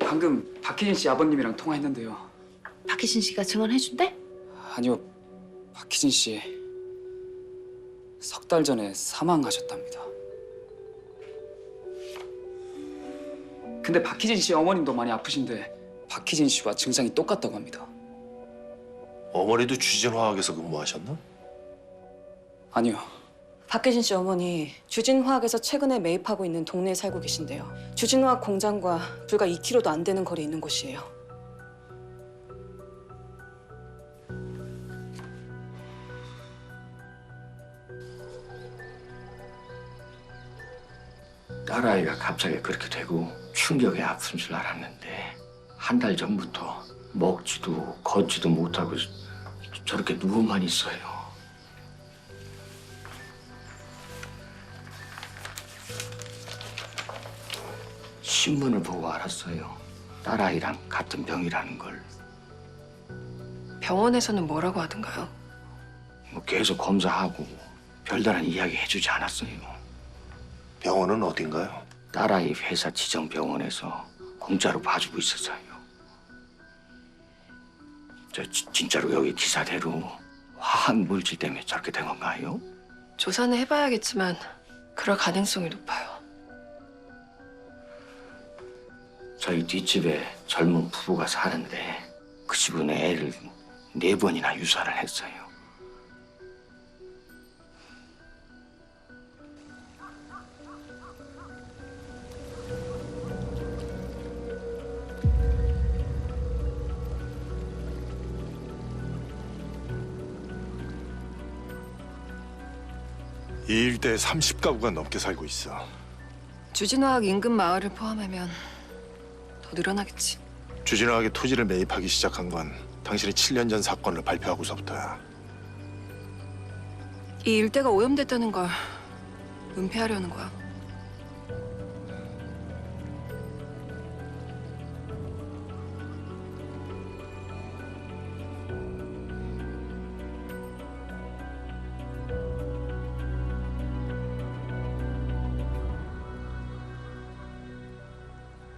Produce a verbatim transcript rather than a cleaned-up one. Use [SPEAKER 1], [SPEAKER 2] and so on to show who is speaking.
[SPEAKER 1] 방금 박희진 씨 아버님이랑 통화했는데요.
[SPEAKER 2] 박희진 씨가 증언해준대?
[SPEAKER 1] 아니요, 박희진 씨 석 달 전에 사망하셨답니다. 근데 박희진 씨 어머님도 많이 아프신데 박희진 씨와 증상이 똑같다고 합니다.
[SPEAKER 3] 어머니도 주진화학에서 근무하셨나?
[SPEAKER 1] 아니요.
[SPEAKER 4] 박혜진 씨 어머니 주진화학에서 최근에 매입하고 있는 동네에 살고 계신데요. 주진화학 공장과 불과 이 킬로미터도 안 되는 거리에 있는 곳이에요.
[SPEAKER 5] 딸아이가 갑자기 그렇게 되고 충격에 아픈 줄 알았는데 한 달 전부터 먹지도 걷지도 못하고 저렇게 누워만 있어요. 신문을 보고 알았어요. 딸아이랑 같은 병이라는 걸.
[SPEAKER 6] 병원에서는 뭐라고 하던가요?
[SPEAKER 5] 뭐 계속 검사하고 별다른 이야기 해주지 않았어요.
[SPEAKER 3] 병원은 어딘가요?
[SPEAKER 5] 딸아이 회사 지정 병원에서 공짜로 봐주고 있었어요. 저 지, 진짜로 여기 기사대로 화학 물질 때문에 저렇게 된 건가요?
[SPEAKER 6] 조사는 해봐야겠지만 그럴 가능성이 높아요.
[SPEAKER 5] 저희 뒷집에 젊은 부부가 사는데 그 집은 애를 네 번이나 유산을 했어요.
[SPEAKER 7] 이 일대에 삼십 가구가 넘게 살고 있어.
[SPEAKER 6] 주진화학 인근 마을을 포함하면 더 늘어나겠지.
[SPEAKER 7] 주진화학의 토지를 매입하기 시작한 건 당신이 칠 년 전 사건을 발표하고서부터야.
[SPEAKER 6] 이 일대가 오염됐다는 걸 은폐하려는 거야.